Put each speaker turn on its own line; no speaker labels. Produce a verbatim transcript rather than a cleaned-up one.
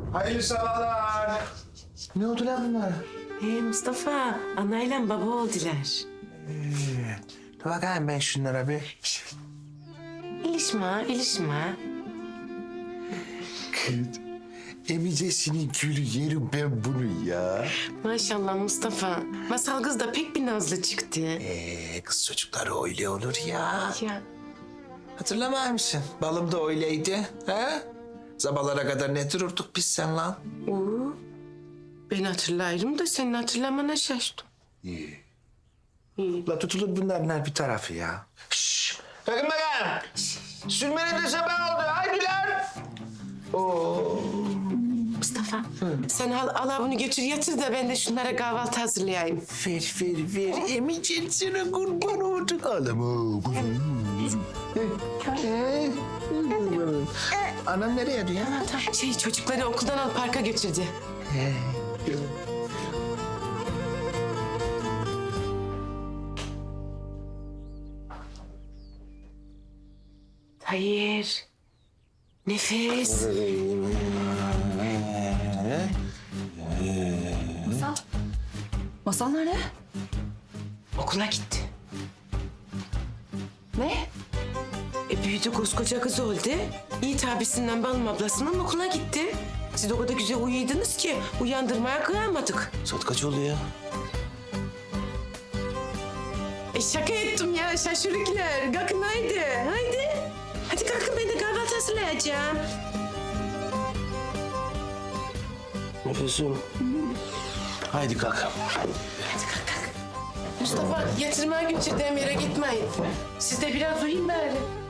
Hayırlı sabahlar. Ne oldu lan bunlara?
Hey Mustafa, anayla baba oldular.
Ee, dur bakayım ben şunlara bir.
İlişme, ilişme.
Kız, emicesinin gülü yerim ben bunu ya.
Maşallah Mustafa. Masal kız da pek bir nazlı çıktı.
Ee, kız çocukları öyle olur ya.
Ya
Hatırlamıyor musun? Balım da öyleydi. Ha? Sabahlara kadar ne dururduk biz sen lan?
Oo, ben hatırlarım da senin hatırlamana şaştım.
İyi. La tutulur bunların bir tarafı ya. Şşş! Bakın bakayım. Sürmene de sabah oldu. Haydi lan. Oo.
Mustafa, sen al, al bunu götür yatır da ben de şunlara kahvaltı hazırlayayım.
Ver ver ver. Emicen sana kurban olduk. Ağlama. Anam nereye diyor?
Tamam, şey çocukları okuldan al parka götürdü. Hayır. Nefes.
Masal. Masal nerede?
Okula gitti.
Ne?
E büyüdü koskoca kız oldu. Yiğit abisinden Balım ablasından okula gitti. Siz o kadar güzel uyuydunuz ki uyandırmaya kıyamadık.
Saat kaç oldu ya?
E şaka ettim ya şaşırıklar. Kalkın haydi. Haydi. Hadi kalkın ben de kahvaltı hazırlayacağım.
Nefesim. Haydi kalk.
Mustafa yatırmaya götürdüğüm yere gitmeyin. Siz de biraz uyuyun bari.